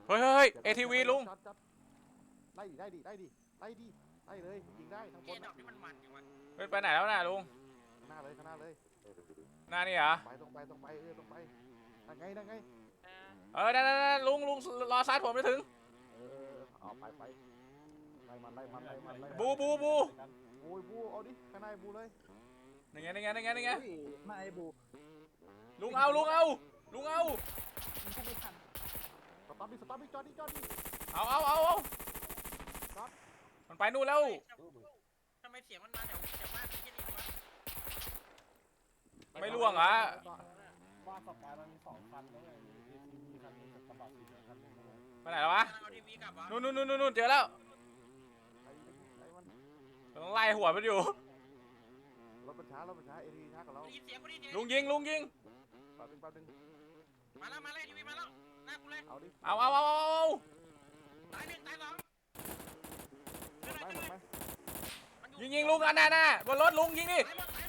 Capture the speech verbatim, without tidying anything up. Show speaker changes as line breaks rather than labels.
เฮ้ยเฮ้ยเอทีวีลุง
ไล่ดิได้ดิได้ดิไล่ดิไล่เลยยิงได้ทั้งบนดอกที่มันมันอยู่
ไปไหนแล้วน่ะลุง
ข้างหน้าเลยข้างหน้าเลย
หน้านี่เหรอ
ไปตรงไปตรงไปเออตรงไปนั่งไงนั่งไง
เออนั่นนั่นลุงลุงรอซ้ายผมจะถึง
เออเอาไปไปไล่มันไล่มันไล่มันไล่
บูบูบู
โอ้ยบูเอาดิข้างในบูเลย
นี่ไงนี่ไงนี่ไงนี่ไง
มาไอ้บู
ลุงเอาลุงเอาลุงเอา
มันก็ไม่ทัน
สตาร์ทดิสตาร์ทดิจอดดิจอดดิ
เอาเอาเอาเอามันไปนู่นแล้ว
ทำไมเสียงมันมาแถวแถวบ้านที่นี่วะ
ไม่ล่วงเหรอ
ว่าสกายมันมีสองคันแล้วไงมีคันนึงกับกระบะสีคันนึง
ไปไหนแล้ววะ
เอาทีวีกลับวะ
นู่นนู่นนู่นนู่นเจอแล้วต้องไล่หัวมันอยู่
รถมันช้ารถมันช้าเอทีช้ากับเรา
ลุงยิงลุงยิง
แป๊บนึงแป๊บนึง
มาแล้วมาแล้วทีวีมาแล้วหน้ากูเลย
เอาดิ
เอาเอาเอาเอา
ตายหนึ่งตายสอง
หมดไหมหมดไหม
ยิงยิงลุงอันน่ะน่ะบนรถลุงยิงดิ